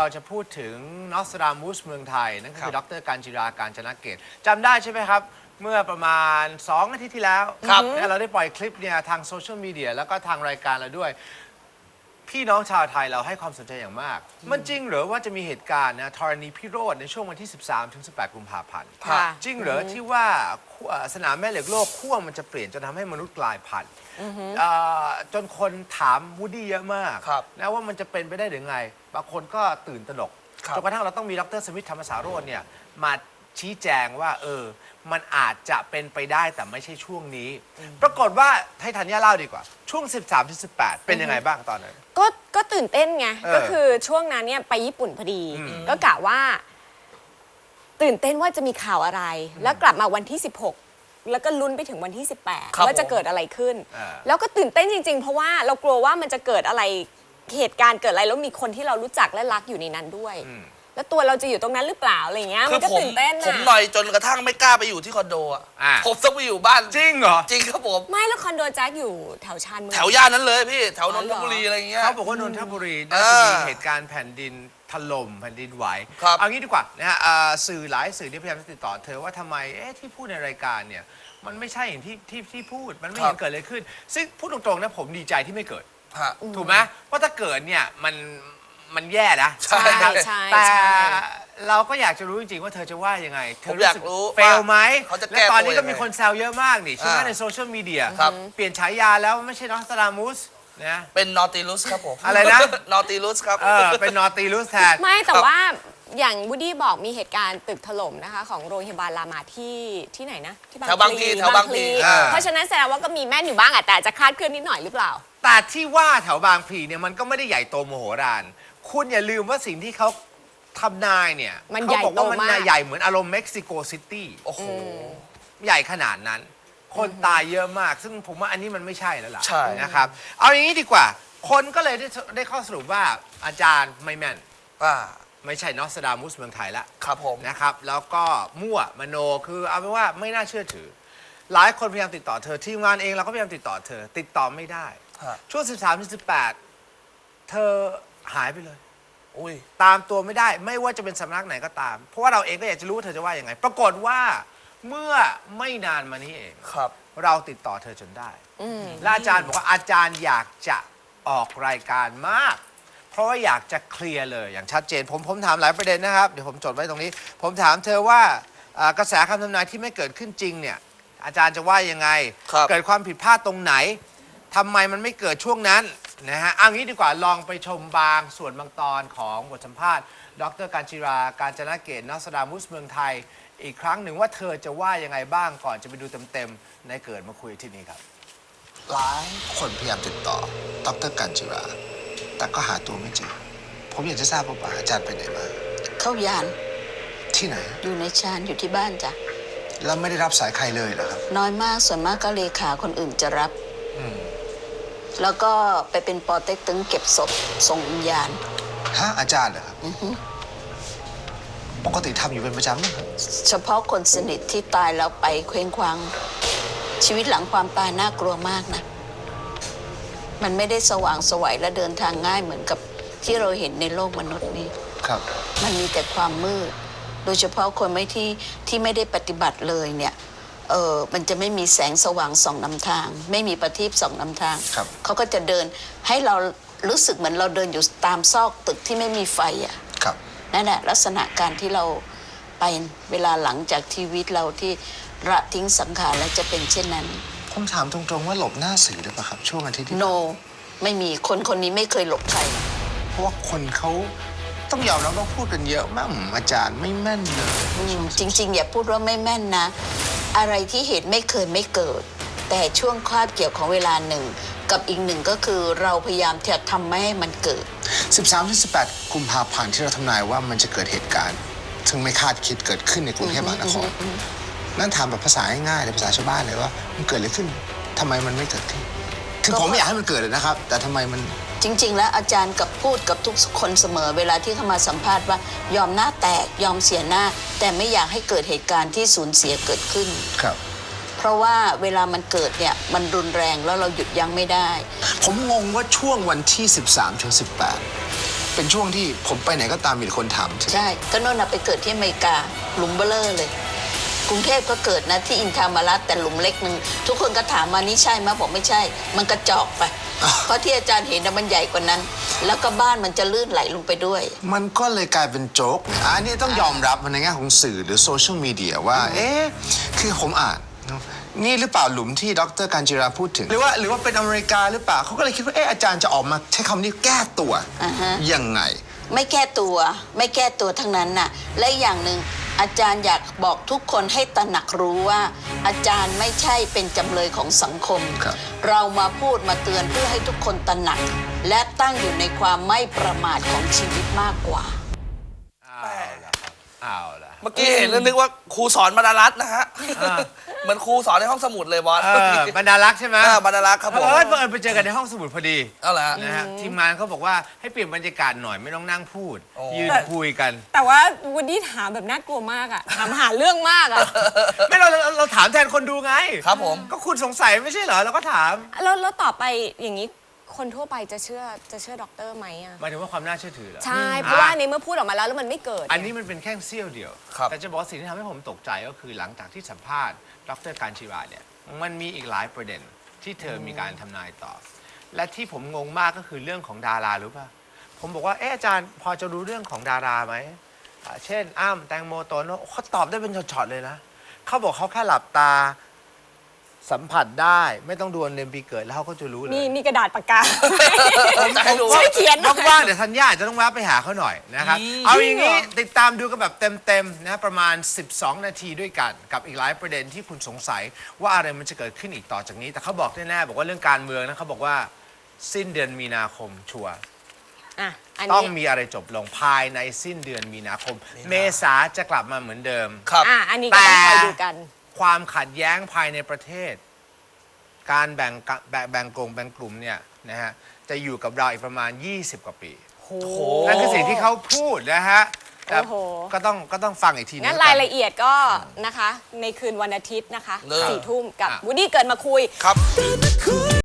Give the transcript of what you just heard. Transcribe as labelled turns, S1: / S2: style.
S1: เราจะพูดถึงนอสตรามูสเมืองไทยนั่นคือดร.การจิรา การจนเกตจำได้ใช่ไหมครับ เมื่อประมาณ2 อาทิตย์ที่แล้วเราได้ปล่อยคลิปเนี่ยทางโซเชียลมีเดียแล้วก็ทางรายการเราด้วยพี่น้องชาวไทยเราให้ความสนใจอย่างมากมันจริงหรือว่าจะมีเหตุการณ์นะธรณีพิโรธในช่วงวันที่13 ถึง 18 กุมภาพันธ์จริงหรือที่ว่าสนามแม่เหล็กโลกขั้วมันจะเปลี่ยนจนทำให้มนุษย์กลายพันธุ์จนคนถามวูดดี้เยอะมากนะว่ามันจะเป็นไปได้หรือไงบางคนก็ตื่นตระหนกจนกระทั่งเราต้องมีดร.สมิทธธรรมสารโรจน์เนี่ยมาชี้แจงว่ามันอาจจะเป็นไปได้แต่ไม่ใช่ช่วงนี้ปรากฏว่าให้ธัญญาเล่าดีกว่าช่วง 13-18 เป็นยังไงบ้างตอนนั้น
S2: ก็ตื่นเต้นไงก็คือช่วงนั้นเนี่ยไปญี่ปุ่นพอดีก็กะว่าตื่นเต้นว่าจะมีข่าวอะไรแล้วกลับมาวันที่16แล้วก็ลุ้นไปถึงวันที่18ว่าจะเกิดอะไรขึ้นแล้วก็ตื่นเต้นจริงๆเพราะว่าเรากลัวว่ามันจะเกิดอะไรเหตุการณ์เกิดอะไรแล้วมีคนที่เรารู้จักและรักอยู่ในนั้นด้วยแล้วตัวเราจะอยู่ตรงนั้นหรือเปล่าอะไรเงี้ยมันก็ตื่นเต้น
S3: ผมหน่อยจนกระทั่งไม่กล้าไปอยู่ที่คอนโดอ่ะผมต้องไปอยู่บ้าน
S1: จริงเหรอ
S3: จริงครับผม
S2: ไม่แล้วคอนโดแจ็คอยู่แถวชานเมือง
S3: แถวย่านนั้นเลยพี่แถวนนทบุรีอะไรเงี้ย
S1: เขาบอกว่านนทบุรีน่าจะมีเหตุการณ์แผ่นดินถล่มแผ่นดินไหวเอางี้ดีกว่านะฮะสื่อหลายสื่อที่พยายามจะติดต่อเธอว่าทำไมที่พูดในรายการเนี่ยมันไม่ใช่อย่างที่พูดมันไม่เห็นเกิดอะไรขึ้นซึ่งพูดตรงๆนะผมดีใจที่ไม่เกิดถูกไหมเพราะถ้าเกิดเนี่ยมันแย่นะ
S2: ใช่
S1: แต่เราก็อยากจะรู้จริงๆว่าเธอจะว่ายังไงเธอ
S3: อยากรู้
S1: เฟลไหมและตอนนี้ก็มีคนแซวเยอะมากนี่ใช่ไหมในโซเชียลมีเดียเปลี่ยนฉายาแล้วไม่ใช่นอสตรามูสนะ
S3: เป็นนอติลุสครับผม
S1: อะไรนะ
S3: นอติลุสครับ
S1: เป็นนอติลุสแทน
S2: ไม่แต่ว่าอย่างวูดดี้บอกมีเหตุการณ์ตึกถล่มนะคะของโรงพยาบาลรามาที่ไหนนะ
S3: ที่บางพลี
S2: เพราะฉะนั้นแสดงว่าก็มีแม่นอยู่บ้างแต่จะคลาดเคลื่อนนิดหน่อยหรือเปล่า
S1: แต่ที่ว่าแถวบางพลีเนี่ยมันก็ไม่ได้ใหญ่โตมโหฬารคุณอย่าลืมว่าสิ่งที่เขาทำนายเนี่ยเขาบอกว่ามันใหญ่เหมือนอารมณ์เม็กซิโกซิตี้
S3: โอ้โห
S1: ใหญ่ขนาดนั้นคนตายเยอะมากซึ่งผมว่าอันนี้มันไม่ใช่แล้วล่ะ
S3: ใช่
S1: นะครับเอาอย่างนี้ดีกว่าคนก็เลยได้ข้อสรุปว่าอาจารย์ไม่แม่นไม่ใช่นอสตรามูสเมืองไทยละ
S3: ครับผม
S1: นะครับแล้วก็มั่วมโนคือเอาเป็นว่าไม่น่าเชื่อถือหลายคนพยายามติดต่อเธอทีมงานเองเราก็พยายามติดต่อเธอติดต่อไม่ได้ช่วง 13-18 เธอหายไปเลยตามตัวไม่ได้ไม่ว่าจะเป็นสำนักไหนก็ตามเพราะว่าเราเองก็อยากจะรู้ว่าเธอจะว่ายังไงปรากฏว่าเมื่อไม่นานมานี้เองเราติดต่อเธอจนได้และอาจารย์บอกว่าอาจารย์อยากจะออกรายการมากเพราะว่าอยากจะเคลียร์เลยอย่างชัดเจนผมถามหลายประเด็นนะครับเดี๋ยวผมจดไว้ตรงนี้ผมถามเธอว่ากระแสคำทำนายที่ไม่เกิดขึ้นจริงเนี่ยอาจารย์จะว่ายังไงเกิดความผิดพลาดตรงไหนทำไมมันไม่เกิดช่วงนั้นนะฮะเอางี้ดีกว่าลองไปชมบางส่วนบางตอนของบทสัมภาษณ์ดร.การจิรา การจนเกตนอสตรามูสเมืองไทยอีกครั้งหนึ่งว่าเธอจะว่ายังไงบ้างก่อนจะไปดูเต็มๆในเกิดมาคุยที่นี่ครับหลายคนพยายามติดต่อดร.การจิราแต่ก็หาตัวไม่เจอผมอยากจะทราบว่าอาจารย์ไปไหนมา
S4: เข้ายาน
S1: ที่ไหน
S4: อยู่ในชานอยู่ที่บ้านจ้ะ
S1: แล้วไม่ได้รับสายใครเลยเหรอครับ
S4: น้อยมากส่วนมากก็เลขาคนอื่นจะรับแล้วก็ไปเป็นปอเต็กตึงเก็บศพส่งวิญญาณ
S1: อาจารย์เหรอครับปกติทำอยู่เป็นประจำไหม
S4: เฉพาะคนสนิทที่ตายแล้วไปเคว้งคว้างชีวิตหลังความตายน่ากลัวมากนะมันไม่ได้สว่างไสวและเดินทางง่ายเหมือนกับที่เราเห็นในโลกมนุษย์นี้
S1: ครับ
S4: มันมีแต่ความมืดโดยเฉพาะคนที่ไม่ได้ปฏิบัติเลยเนี่ยมันจะไม่มีแสงสว่างส่องนำทางไม่มีประทีปส่องนำทางเขาก็จะเดินให้เรารู้สึกเหมือนเราเดินอยู่ตามซอกตึกที่ไม่มีไฟนั่นแหละลักษณะการที่เราไปเวลาหลังจากชีวิตเราที่ละทิ้งสังขารแล้วจะเป็นเช่นนั้น
S1: ผมถามตรงๆว่าหลบหน้าสื่อหรือเปล่าครับช่วงอาทิตย์ที่
S4: No ไม่มีคนนี้ไม่เคยหลบใคร
S1: เพราะว่าคนเขาต้องยอมรับว่าพูดกันเยอะมากอาจารย์ไม่แม่นเลย
S4: จริงๆอย่าพูดว่าไม่แม่นนะอะไรที่เหตุไม่เคยไม่เกิดแต่ช่วงคาบเกี่ยวของเวลาหนึ่งกับอีกหนึ่งก็คือเราพยายามที่จะทำไม่ให้มันเกิด
S1: 13-18 กุมภาพันธ์ที่เราทำนายว่ามันจะเกิดเหตุการณ์ซึ่งไม่คาดคิดเกิดขึ้นในกรุงเทพมหานครนั่นถามแบบภาษาง่ายๆในภาษาชาวบ้านเลยว่ามันเกิดอะไรขึ้นทำไมมันไม่เกิดขึ้นคือผมไม่อยากให้มันเกิดเลยนะครับแต่ทำไมมัน
S4: จริงๆแล้วอาจารย์กับพูดกับทุกคนเสมอเวลาที่เขามาสัมภาษณ์ว่ายอมหน้าแตกยอมเสียหน้าแต่ไม่อยากให้เกิดเหตุการณ์ที่สูญเสียเกิดขึ้น
S1: ครับ
S4: เพราะว่าเวลามันเกิดเนี่ยมันรุนแรงแล้วเราหยุดยั้งไม่ได้
S1: ผมงงว่าช่วงวันที่13-18
S5: เป็นช่วงที่ผมไปไหนก็ตามมีแต่คนถามถึง
S4: ใช่ก็โน่นน่ะไปเกิดที่อเมริกาหลุมเบลอเลย กรุงเทพก็เกิดนะที่อินทามารัตแต่หลุมเล็กหนึ่งทุกคนก็ถามมานี่ใช่ไหมบอกไม่ใช่ มันกระจอกไป เพราะที่อาจารย์เห็นนะมันใหญ่กว่านั้น แล้วก็บ้านมันจะลื่นไหลลงไปด้วย
S5: มันก็เลยกลายเป็นโจ๊กเนี่ยอันนี้ต้องยอมรับในแง่ของสื่อหรือโซเชียลมีเดียว่า คือผมอ่านนี่หรือเปล่าหลุมที่ดร.การจิราพูดถึง หรือว่าเป็นอเมริกาหรือเปล่าเขาก็เลยคิดว่าอาจารย์จะออกมาใช้คำนี้แก้ตัวยังไง
S4: ไม่แก้ตัวไม่แก้ตัวทั้งนั้นน่ะและอย่างหนึ่งอาจารย์อยากบอกทุกคนให้ตระหนักรู้ว่า อาจารย์ไม่ใช่เป็นจำเลยของสังคม
S5: ครับ
S4: เรามาพูดมาเตือนเพื่อให้ทุกคนตระหนัก และตั้งอยู่ในความไม่ประมาทของชีวิตมากกว่า
S1: เอาละ
S3: เมื่อกี้เห็นแล้วนึกว่าครูสอนบรรณารัตน์นะฮะเหมือนครูสอนในห้องสมุดเลยบอส
S1: บรรดารักษ์ใช่ไหม
S3: บรรณารัตน์ครับผม
S1: บังเอิญไปเจอกันในห้องสมุดพอดี
S3: เอาละ
S1: นะฮะทีมงานเขาบอกว่าให้เปลี่ยนบรรยากาศหน่อยไม่ต้องนั่งพูด
S3: โอ้
S1: ยืนคุยกัน
S2: แต่ว่าวูดดี้ถามแบบน่ากลัวมากอะถามหาเรื่องมากอะ
S1: ไม่เราถามแทนคนดูไง
S3: ครับผม
S1: ก็คุณสงสัยไม่ใช่เหรอเราก็ถาม
S2: แล้วต่อไปอย่างนี้คนทั่วไปจะเชื่อด็อกเตอร์ไหมอะ
S1: หมายถึงว่าความน่าเชื่อถือเหรอ
S2: ใช่เพราะว่าในเมื่อพูดออกมาแล้วมันไม่เกิด
S1: อันนี้มันเป็นแค่เสี้ยวเดียว
S3: ครับ
S1: แต่จะบอกว่าสิ่งที่ทำให้ผมตกใจก็คือหลังจากที่สัมภาษณ์ดร.การชิราเนี่ยมันมีอีกหลายประเด็นที่เธอมีการทำนายต่อ และที่ผมงงมากก็คือเรื่องของดารารู้ป่ะผมบอกว่าอาจารย์พอจะรู้เรื่องของดาราไหมเช่นอ้ำแตงโมโตโน่เขาตอบได้เป็นช็อตๆเลยนะเขาบอกเขาแค่หลับตาสัมผัสได้ไม่ต้องดูวันเดือนปีเกิดแล้วเขาก็จะรู้เลย
S2: มีกระดาษปากกา
S3: จะให้ดู
S2: ช่วยเขียนหน่อย
S1: ว่างๆเดี๋ยวธัญญาอาจจะต้องแวะไปหาเขาหน่อยนะครับ เอาอย่างนี้ติดตามดูกันแบบเต็มๆนะประมาณ 12 นาทีด้วยกัน กับอีกหลายประเด็นที่คุณสงสัยว่าอะไรมันจะเกิดขึ้นอีกต่อจากนี้ แต่เขาบอกแน่ๆบอกว่าเรื่องการเมืองนะเขาบอกว่าสิ้นเดือนมีนาคมชัวร์
S2: อ่ะอัน
S1: ต้อง
S2: นี้
S1: มีอะไรจบลงภายในสิ้นเดือนมีนาคม เมษาจะกลับมาเหมือนเดิม
S3: ครับ
S2: อันนี้ก็ต้องคอยดูกัน
S1: ความขัดแย้งภายในประเทศ การแบ่งกลุ่มเนี่ยนะฮะจะอยู่กับเราอีกประมาณ 20 กว่าปี
S2: โห
S1: นั่นคือสิ่งที่เขาพูดนะฮะแต่
S2: โอ้โห
S1: ก็ต้องฟังอีกที
S2: งั้น
S1: แล้วกั
S2: รายละเอียดก็นะคะ ในคืนวันอาทิตย์นะคะ
S3: เลย
S2: 4 ทุ่มกับ
S1: อ่ะ
S2: วูดดี้เกิดมาคุย
S3: ครับ